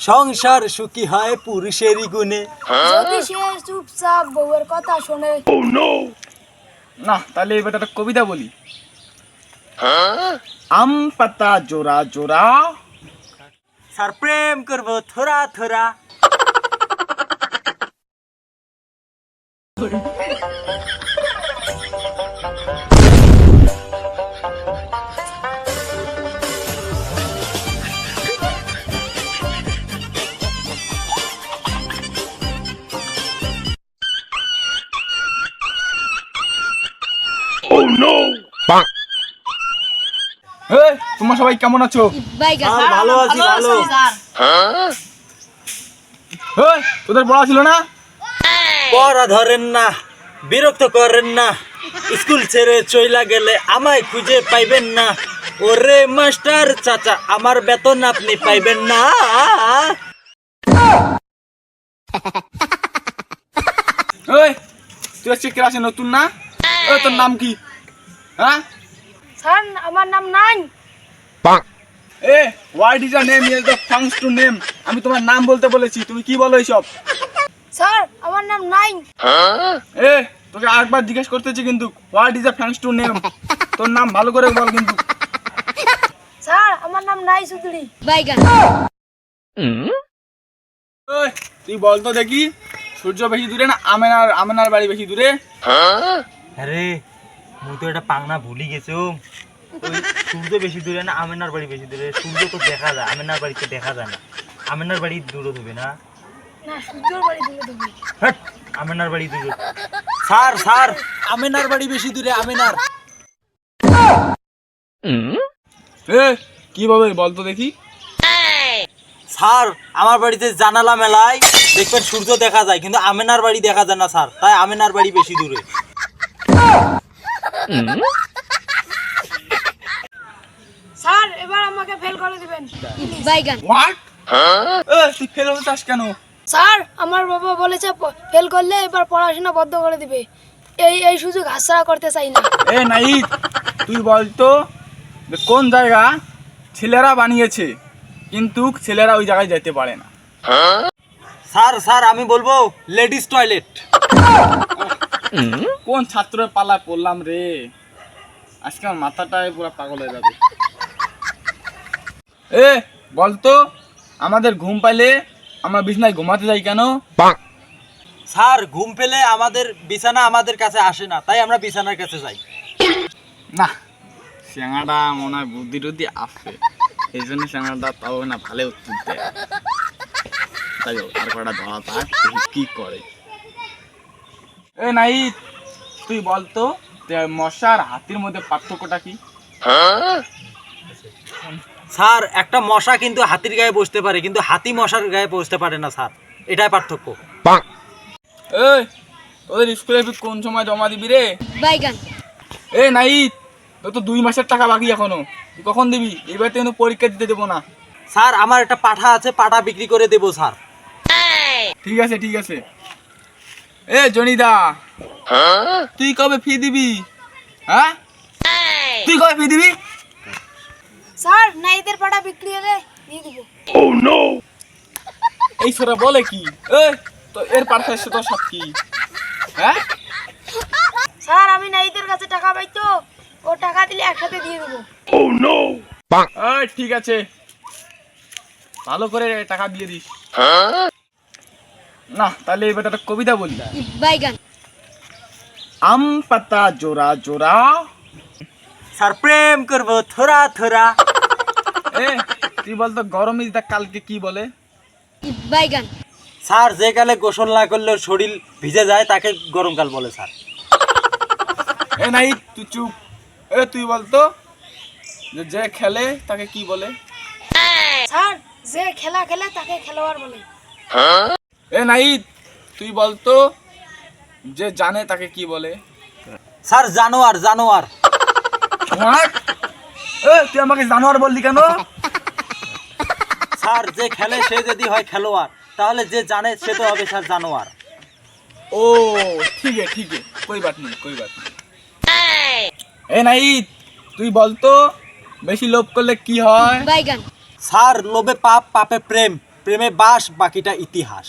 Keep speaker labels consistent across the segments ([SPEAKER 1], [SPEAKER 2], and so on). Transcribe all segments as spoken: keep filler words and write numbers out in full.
[SPEAKER 1] সংসার সুখী হয় পুরুষেরই গুণে।
[SPEAKER 2] যদি সে চুপচাপ বউয়ের কথা শোনে।
[SPEAKER 3] না তাহলে এবার একটা কবিতা বলি। আম পাতা জোড়া জোড়া,
[SPEAKER 1] স্যার প্রেম করবো থোড়া থোড়া।
[SPEAKER 3] এই তোমরা সবাই কেমন আছো?
[SPEAKER 1] স্যার ভালো আছি, ভালো।
[SPEAKER 3] এই তোদের পড়া ছিল না?
[SPEAKER 1] পড়া ধরেন না, বিরক্ত করেন না, স্কুল ছেড়ে চইলা গেলে আমায় খুঁজে পাইবেন না। ওরে মাস্টার চাচা, আমার বেতন আপনি পাইবেন না।
[SPEAKER 3] এই তুই আজকে ক্লাসে নতুন না? এই তোর নাম কি? হ্যাঁ
[SPEAKER 2] স্যার আমার নাম নাই।
[SPEAKER 3] এ what is your name? Is the ফাংস টু নেম। আমি তোমার নাম বলতে বলেছি, তুমি কি বলো এইসব?
[SPEAKER 2] স্যার আমার নাম নাই।
[SPEAKER 3] এ তোকে আরেকবার জিজ্ঞেস করতেছি কিন্তু, হোয়াট ইজ দ্য ফাংস টু নেম? তোর নাম ভালো করে বল কিন্তু।
[SPEAKER 2] স্যার আমার নাম নাই সুদুরি।
[SPEAKER 3] ওই তুই বল তো দেখি, সূর্য বেশি দূরে না আমেনার আমেনার বাড়ি বেশি দূরে?
[SPEAKER 1] আরে মুই তো এটা পাংনা ভুলি গেছো। ওই সূর্য বেশি দূরে না আমেনার বাড়ি বেশি দূরে? সূর্য তো দেখা যায়, আমেনার বাড়িতে দেখা যায় না। আমেনার বাড়ি দূর হবে না?
[SPEAKER 2] না সূর্যর বাড়ি দূরে দূরে।
[SPEAKER 1] হ্যাট, আমেনার বাড়ি দূর। স্যার স্যার আমেনার বাড়ি বেশি দূরে, আমেনার।
[SPEAKER 3] এ কিভাবে বল তো দেখি?
[SPEAKER 1] স্যার আমার বাড়িতে জানালা মেলায় দেখবেন সূর্য দেখা যায়, কিন্তু আমেনার বাড়ি দেখা যায় না স্যার, তাই আমেনার বাড়ি বেশি দূরে।
[SPEAKER 2] স্যার এবার আমাকে ফেল করে দিবেন।
[SPEAKER 3] হোয়াট? এ তুই ফেল হতে চাস কেন?
[SPEAKER 2] স্যার আমার বাবা বলেছে ফেল করলে এবার পড়াশোনা বন্ধ করে দিবে। এই এই সুযোগ হাতছাড়া করতে চাই না।
[SPEAKER 3] এ নাই তুই বল তো যে কোন জায়গা ছেলেরা বানিয়েছে কিন্তু ছেলেরা ওই জায়গায় যেতে পারে না?
[SPEAKER 1] স্যার স্যার আমি বলবো লেডিস টয়লেট।
[SPEAKER 3] কোন ছাত্রের পালা পড়লাম রে, আজকে আমার মাথাটাই পুরো পাগল হয়ে যাবে। এ বলতো আমাদের ঘুম পাইলে আমরা বিছানায় ঘুমাতে যাই কেন?
[SPEAKER 1] স্যার ঘুম পেলে আমাদের বিছানা আমাদের কাছে আসে না, তাই আমরা বিছানার কাছে যাই।
[SPEAKER 3] না স্যাঙাটা মনে হয় বুদ্ধি টুদ্ধি আছে, এই জন্য স্যাঙাটা তাও না ভালো উত্তর দেয়। তাই হোক, আর কটা ধরা থাক, দেখি কি করে। এ নাই তুই বলতো যে মশা আর হাতির মধ্যে পার্থক্যটা কি?
[SPEAKER 1] স্যার একটা মশা কিন্তু হাতির গায়ে বসতে পারে, কিন্তু হাতি মশার গায়ে বসতে পারে না স্যার, এটাই পার্থক্য।
[SPEAKER 3] এই তোদের স্কুলে ফি কোন সময় জমা দিবি রে? এ নাই তোর তো দুই মাসের টাকা বাকি এখনো, তুই কখন দিবি? এবার তো পরীক্ষা দিতে দেবো না।
[SPEAKER 1] স্যার আমার একটা পাঠা আছে, পাঠা বিক্রি করে দেবো স্যার।
[SPEAKER 3] ঠিক আছে ঠিক আছে। এ জনিদা তুই কবে ফি দিবি? হ্যাঁ তুই কবে ফি দিবি?
[SPEAKER 2] স্যার নাইদের পাড়া বিক্রি হলে দিয়ে দিব।
[SPEAKER 3] এই ছোরা বলে কি? এই তো এর পাঠায় তো সব কি? হ্যাঁ
[SPEAKER 2] স্যার আমি নাইদের কাছে টাকা পাই তো, ও টাকা দিলে একসাথে দিয়ে দেবো।
[SPEAKER 3] এই ঠিক আছে, ভালো করে টাকা দিয়ে দিস। না তাহলে এবার একটা কবিতা বলি। আম পাতা জোড়া জোড়া,
[SPEAKER 1] স্যার প্রেম করবো থোড়া থোড়া।
[SPEAKER 3] এ তুই বলতো গরম ইজ দা কালকে কি বলে?
[SPEAKER 1] স্যার যে কালে গোসল না করলে শরীর ভিজে যায় তাকে গরমকাল বলে স্যার।
[SPEAKER 3] এ নাই তুই চুপ। এ তুই বলতো যে যে খেলে তাকে কি বলে?
[SPEAKER 2] স্যার যে খেলা খেলে তাকে খেলোয়াড় বলে।
[SPEAKER 3] এ নাই তুই বলতো যে জানে তাকে কি বলে?
[SPEAKER 1] স্যার জানোয়ার জানোয়ার।
[SPEAKER 3] হোয়াট? এ তুই আমাকে জানোয়ার বললি কেন?
[SPEAKER 1] স্যার যে খেলে সে যদি হয় খেলোয়াড়, তাহলে যে জানে সে তো হবে স্যার জানোয়ার।
[SPEAKER 3] ও ঠিক আছে ঠিক আছে, कोई बात नहीं कोई बात नहीं। এ নাই তুই বলতো বেশি লোভ করলে কি হয়?
[SPEAKER 1] স্যার লোভে পাপ, পাপে প্রেম। প্রেমে বাস, বাকিটা ইতিহাস।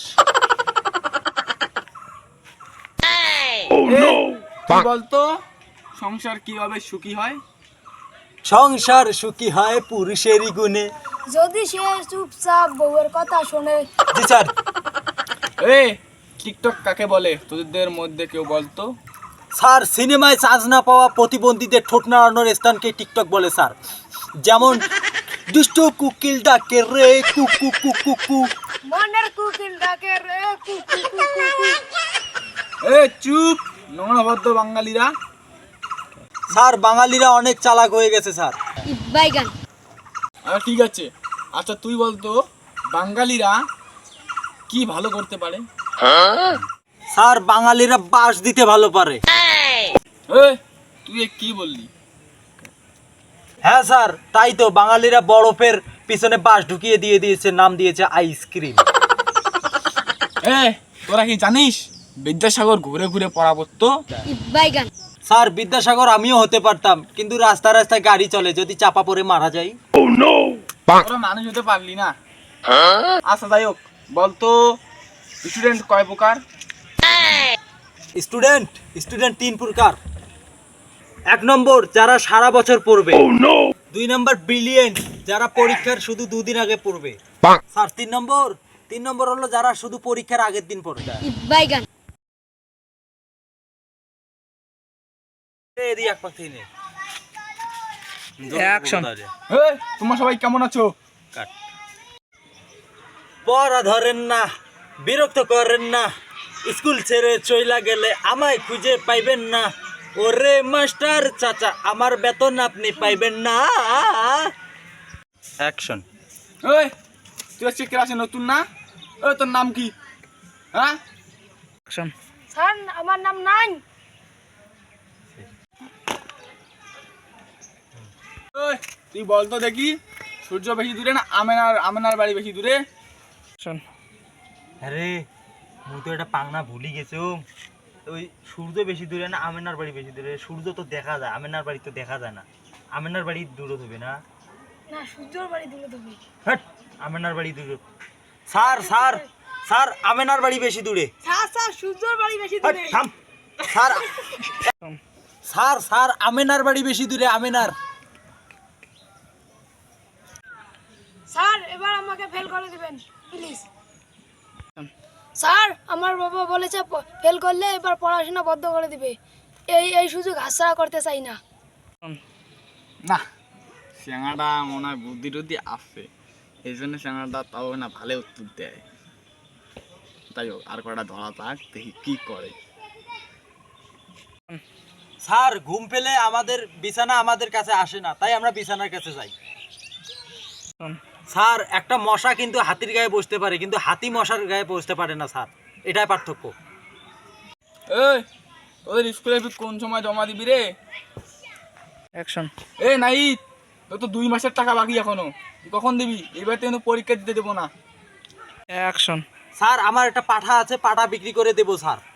[SPEAKER 3] কি বলতো সংসার কিভাবে সুখী হয়?
[SPEAKER 1] সংসার সুখী হয় পুরুষেরই গুণে।
[SPEAKER 2] যদি সে চুপচাপ বউয়ের কথা শোনে।
[SPEAKER 1] জি স্যার।
[SPEAKER 3] এ টিকটক কাকে বলে তোদের মধ্যে কেউ বলতো?
[SPEAKER 1] স্যার, সিনেমায় চান্স না পাওয়া প্রতিবন্ধীদের ঠোঁট নাড়ানোর স্থানকে টিকটক বলে স্যার। যেমন দুষ্ট কুকিল ডাকে রে কুকু কুকু কু।
[SPEAKER 2] মনের কুকিল ডাকে রে কু কু কু কু কু।
[SPEAKER 3] এ চুপ নোংরা ভদ্র বাঙালিরা।
[SPEAKER 1] স্যার, বাঙালিরা অনেক চালাক হয়ে গেছে স্যার।
[SPEAKER 2] বাইগান।
[SPEAKER 3] আচ্ছা ঠিক আছে, আচ্ছা তুই বলতো বাঙালিরা কি ভালো করতে পারে?
[SPEAKER 1] স্যার, বাঙালিরা বাস দিতে ভালো পারে।
[SPEAKER 3] এ তুই এ কি বললি?
[SPEAKER 1] হ্যাঁ স্যার, তাই তো বাঙালিরা বরফের পিছনে বাস ঢুকিয়ে দিয়ে দিয়েছে, নাম দিয়েছে আইসক্রিম।
[SPEAKER 3] এ তোরা কি জানিস বিদ্যাসাগর ঘুরে ঘুরে পড়া পড়তো?
[SPEAKER 2] বাইগান।
[SPEAKER 1] স্যার, বিদ্যাসাগর আমিও হতে পারতাম, কিন্তু রাস্তা রাস্তায় গাড়ি চলে, যদি চাপা পড়ে মারা যাই।
[SPEAKER 3] তোরা মানুষ হতে পারলি না। আচ্ছা যাই হোক, বলতো স্টুডেন্ট কয় প্রকার?
[SPEAKER 1] স্টুডেন্ট স্টুডেন্ট তিন প্রকার। এক নম্বর, যারা সারা বছর পড়বে। দুই নম্বর, ব্রিলিয়েন্ট, যারা পরীক্ষার শুধু দুদিন আগে পড়বে। স্যার, তিন নম্বর তিন নম্বর হলো যারা শুধু পরীক্ষার আগের দিন পড়বে।
[SPEAKER 2] বাইগান।
[SPEAKER 1] এই এক পাখি নে।
[SPEAKER 3] অ্যাকশন। এ তোমরা সবাই কেমন আছো?
[SPEAKER 1] কাট। পড়া ধরেন না, বিরক্ত করেন না, স্কুল ছেড়ে চইলা গেলে আমায় খুঁজে পাইবেন না। ওরে মাস্টার চাচা, আমার বেতন আপনি পাইবেন না। অ্যাকশন।
[SPEAKER 3] এই তুই আজকে ক্লাসে নতুন না? এ তোর নাম কি? হ্যাঁ অ্যাকশন।
[SPEAKER 2] স্যার, আমার নাম নাই।
[SPEAKER 3] ওই তুই বলতো দেখি সূর্য বেশি দূরে না আমেনার আমেনার বাড়ি বেশি দূরে? শোন
[SPEAKER 1] আরে মুই তো এটা পাংনা ভুলি গেছো। ওই সূর্য বেশি দূরে না আমেনার বাড়ি বেশি দূরে? সূর্য তো দেখা যায়, আমেনার বাড়ি তো দেখা যায় না। আমেনার বাড়ি দূরে হবে না?
[SPEAKER 2] না, সূর্যর বাড়ি দূরে দেবে।
[SPEAKER 1] হ্যাট, আমেনার বাড়ি দূরে। স্যার স্যার স্যার, আমেনার বাড়ি বেশি দূরে।
[SPEAKER 2] স্যার স্যার, সূর্যর বাড়ি বেশি
[SPEAKER 1] হ্যাট,
[SPEAKER 2] দূরে।
[SPEAKER 1] থাম। স্যার স্যার স্যার, আমেনার বাড়ি বেশি দূরে, আমেনার।
[SPEAKER 2] স্যার, এবার আমাকে ফেল করে দিবেন প্লিজ। স্যার, আমার বাবা বলেছে ফেল করলে এবার পড়াশোনা বন্ধ করে দিবে। এই এই সুযোগ হাতছাড়া করতে চাই না।
[SPEAKER 3] না স্যাঙাটা মনে হয় বুদ্ধি টুদ্ধি আছে, এই জন্য স্যাঙাটা তাও না ভালো উত্তর দেয়। তাই হোক, আর কটা ধরা থাক, দেখি কি করে।
[SPEAKER 1] স্যার, ঘুম পেলে আমাদের বিছানা আমাদের কাছে আসে না, তাই আমরা বিছানার কাছে যাই। স্যার, একটা মশা কিন্তু হাতির গায়ে বসতে পারে, কিন্তু হাতি মশার গায়ে বসতে পারে না স্যার, এটাই পার্থক্য।
[SPEAKER 3] এই তোদের স্কুলে কোন সময় জমা দিবি রে? অ্যাকশন। এ নাই, তোর তো দুই মাসের টাকা বাকি এখনো, তুই কখন দিবি? এবার তো কিন্তু পরীক্ষা দিতে দেবো না। অ্যাকশন।
[SPEAKER 1] স্যার, আমার একটা পাঠা আছে, পাঠা বিক্রি করে দেবো স্যার।